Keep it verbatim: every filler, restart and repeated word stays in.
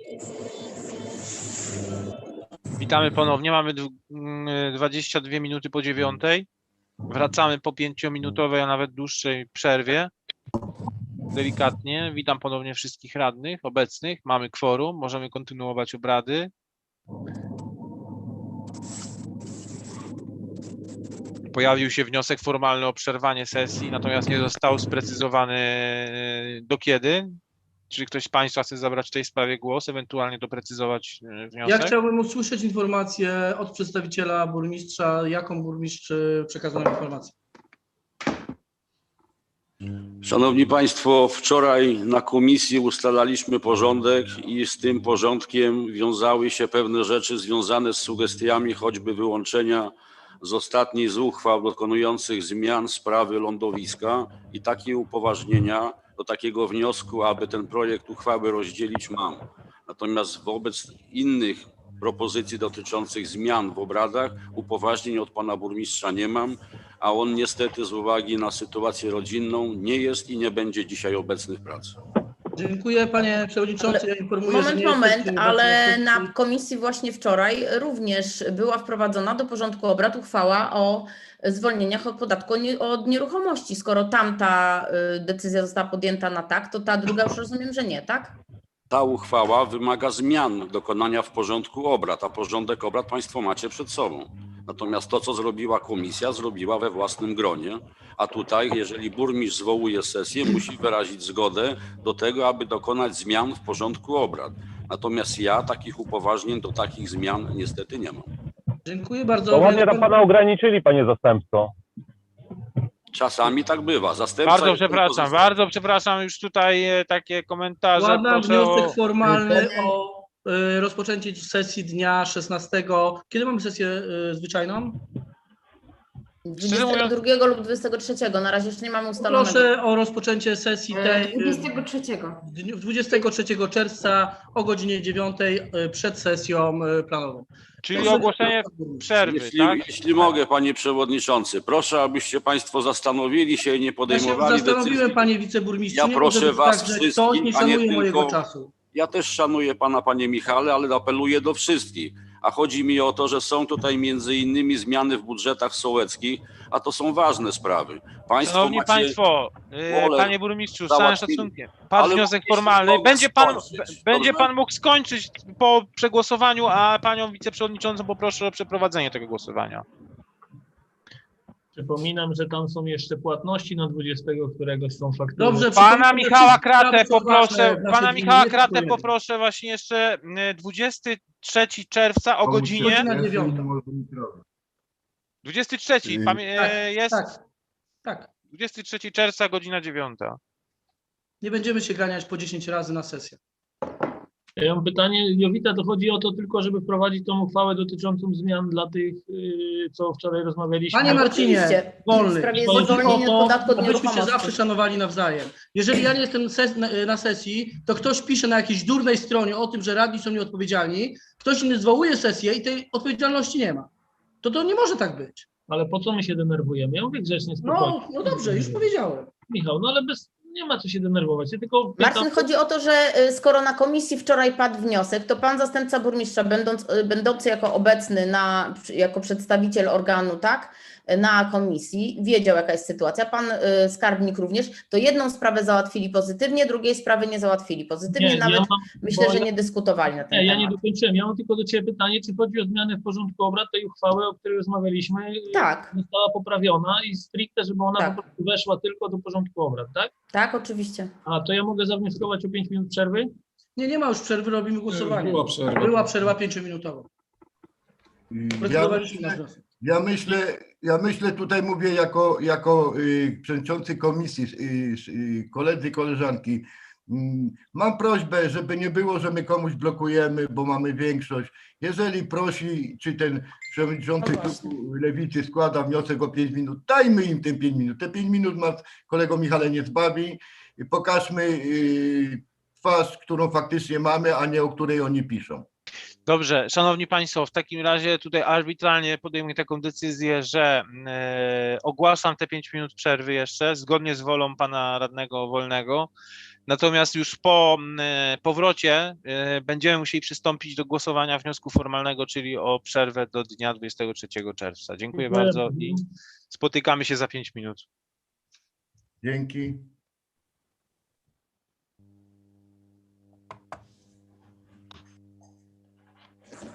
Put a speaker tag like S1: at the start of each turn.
S1: Witamy ponownie. Mamy dwadzieścia dwie minuty po dziewiątej. Wracamy po pięciominutowej, a nawet dłuższej przerwie. Delikatnie. Witam ponownie wszystkich radnych obecnych. Mamy kworum. Możemy kontynuować obrady. Pojawił się wniosek formalny o przerwanie sesji, natomiast nie został sprecyzowany do kiedy. Czy ktoś z Państwa chce zabrać w tej sprawie głos, ewentualnie doprecyzować wniosek?
S2: Ja chciałbym usłyszeć informację od przedstawiciela burmistrza, jaką burmistrz przekazał informację.
S3: Szanowni Państwo, wczoraj na komisji ustalaliśmy porządek i z tym porządkiem wiązały się pewne rzeczy związane z sugestiami choćby wyłączenia z ostatniej z uchwał dokonujących zmian sprawy lądowiska i takie upoważnienia do takiego wniosku, aby ten projekt uchwały rozdzielić mam. Natomiast wobec innych propozycji dotyczących zmian w obradach upoważnień od pana burmistrza nie mam, a on niestety z uwagi na sytuację rodzinną nie jest i nie będzie dzisiaj obecny w pracy.
S2: Dziękuję panie przewodniczący. Ja informuję,
S4: moment,
S2: że nie
S4: moment,
S2: jesteśmy
S4: ale
S2: obecni.
S4: na komisji właśnie wczoraj również była wprowadzona do porządku obrad uchwała o zwolnieniach od podatku od nieruchomości. Skoro tamta decyzja została podjęta na tak, to ta druga już rozumiem, że nie, tak?
S3: Ta uchwała wymaga zmian dokonania w porządku obrad, a porządek obrad Państwo macie przed sobą. Natomiast to, co zrobiła komisja, zrobiła we własnym gronie, a tutaj, jeżeli burmistrz zwołuje sesję, musi wyrazić zgodę do tego, aby dokonać zmian w porządku obrad. Natomiast ja takich upoważnień do takich zmian niestety nie mam.
S2: Dziękuję bardzo.
S5: To ładnie tam pana ograniczyli, panie zastępco.
S3: Czasami tak bywa. Zastępca
S1: Bardzo
S3: jest
S1: przepraszam,
S3: tylko
S1: bardzo przepraszam. Już tutaj takie komentarze.
S2: Składam
S1: Proszę
S2: wniosek
S1: o...
S2: formalny o y, rozpoczęcie sesji dnia szesnastego. Kiedy mamy sesję y, zwyczajną?
S4: dwudziestego drugiego lub dwudziestego trzeciego. Na razie jeszcze nie mamy ustalonego.
S2: Proszę o rozpoczęcie sesji tej y,
S6: dwudziestego trzeciego.
S2: dwudziestego trzeciego czerwca o godzinie dziewiątej y, przed sesją y, planową.
S1: Czyli
S2: Proszę-
S1: ogłoszenie przerwy,
S3: Jeśli,
S1: tak?
S3: jeśli mogę, panie przewodniczący, proszę, abyście państwo zastanowili się i nie
S2: Ja się
S3: podejmowali
S2: zastanowiłem,
S3: decyzji.
S2: panie wiceburmistrzu.
S3: Ja
S2: nie
S3: proszę
S2: może być
S3: was
S2: tak, że
S3: wszystkich,
S2: ktoś nie
S3: a nie
S2: szanuje mojego
S3: tylko-
S2: czasu.
S3: Ja też szanuję pana, panie Michale, ale apeluję do wszystkich. A chodzi mi o to, że są tutaj między innymi zmiany w budżetach sołeckich, a to są ważne sprawy. Państwo
S1: Szanowni
S3: macie...
S1: Państwo, y,
S3: wolę
S1: panie burmistrzu, z całym
S3: załatwili.
S1: szacunkiem. Padł
S3: Ale
S1: wniosek
S3: mogliście
S1: formalny.
S3: pomóc
S1: Będzie pan,
S3: skończyć,
S1: będzie
S3: dobrze?
S1: pan mógł skończyć po przegłosowaniu, a panią wiceprzewodniczącą poproszę o przeprowadzenie tego głosowania.
S7: Przypominam, że tam są jeszcze płatności na dwudziestego któregoś są faktury.
S2: Dobrze,
S1: Pana
S2: przypominam,
S1: Michała
S2: że
S1: Kratę
S2: sprawy są ważne
S1: poproszę,
S2: w naszej
S1: pana
S2: gminie,
S1: Michała
S2: nie
S1: Kratę
S2: tylko
S1: poproszę właśnie jeszcze y, dwudziestego trzeciego czerwca o godzinie
S2: Godzina dziewiąta.
S1: dwudziestego trzeciego pamię-
S2: Tak,
S1: jest
S2: Tak, tak.
S1: dwudziestego trzeciego czerwca, godzina dziewiąta.
S2: Nie będziemy się ganiać po dziesięć razy na sesję.
S7: Ja mam pytanie, Jowita, to chodzi o to tylko, żeby wprowadzić tą uchwałę dotyczącą zmian dla tych, yy, co wczoraj rozmawialiśmy.
S2: Panie Marcinie,
S4: Oczywiście.
S2: wolny.
S4: W sprawie
S2: Chodzi
S4: zwolnienia
S2: o
S4: od podatku od
S2: to, abyśmy się zawsze
S4: nieruchomości.
S2: szanowali nawzajem. Jeżeli ja nie jestem ses na, na sesji, to ktoś pisze na jakiejś durnej stronie o tym, że radni są nieodpowiedzialni, ktoś inny zwołuje sesję i tej odpowiedzialności nie ma. To to nie może tak być.
S7: Ale po co my się denerwujemy? Ja mówię grzecznie, spokojnie.
S2: No, no dobrze, już powiedziałem.
S7: Michał, no ale bez, nie ma co się denerwować. Ja tylko pytam,
S4: Marcin, chodzi o to, że y, skoro na komisji wczoraj padł wniosek, to pan zastępca burmistrza, będąc, y, będący jako obecny na, jako przedstawiciel organu, tak, na komisji, wiedział, jaka jest sytuacja. Pan y, skarbnik również, to jedną sprawę załatwili pozytywnie, drugiej sprawy nie załatwili pozytywnie,
S7: nie,
S4: nawet
S7: ja mam,
S4: myślę,
S7: bo
S4: że
S7: ja-
S4: nie dyskutowali na ten
S7: nie, ja
S4: temat.
S7: nie dokończyłem. Ja mam tylko do Ciebie pytanie, czy chodzi o zmianę w porządku obrad tej uchwały, o której rozmawialiśmy,
S4: Tak,
S7: została poprawiona i stricte, żeby ona
S4: Tak.
S7: po prostu weszła tylko do porządku obrad, tak?
S4: tak, oczywiście.
S7: A to ja mogę zawnioskować o pięć minut przerwy?
S2: Nie, nie ma już przerwy, robimy głosowanie.
S8: Była przerwa.
S2: Była przerwa pięciominutowa.
S8: Ja,
S2: Procedowaliśmy na wniosek.
S8: ja myślę, ja myślę, tutaj mówię jako, jako y, przewodniczący komisji, y, y, koledzy, koleżanki. Mm, Mam prośbę, żeby nie było, że my komuś blokujemy, bo mamy większość. Jeżeli prosi, czy ten przewodniczący
S4: No właśnie.
S8: klubu Lewicy składa wniosek o pięć minut, dajmy im te pięć minut. Te pięć minut nas, kolego Michale, nie zbawi. Pokażmy y, twarz, którą faktycznie mamy, a nie o której oni piszą.
S1: Dobrze, szanowni państwo, w takim razie tutaj arbitralnie podejmuję taką decyzję, że e, ogłaszam te pięć minut przerwy jeszcze, zgodnie z wolą pana radnego Wolnego. Natomiast już po e, powrocie e, będziemy musieli przystąpić do głosowania wniosku formalnego, czyli o przerwę do dnia dwudziestego trzeciego czerwca. Dziękuję bardzo i spotykamy się za pięć minut.
S8: Dzięki.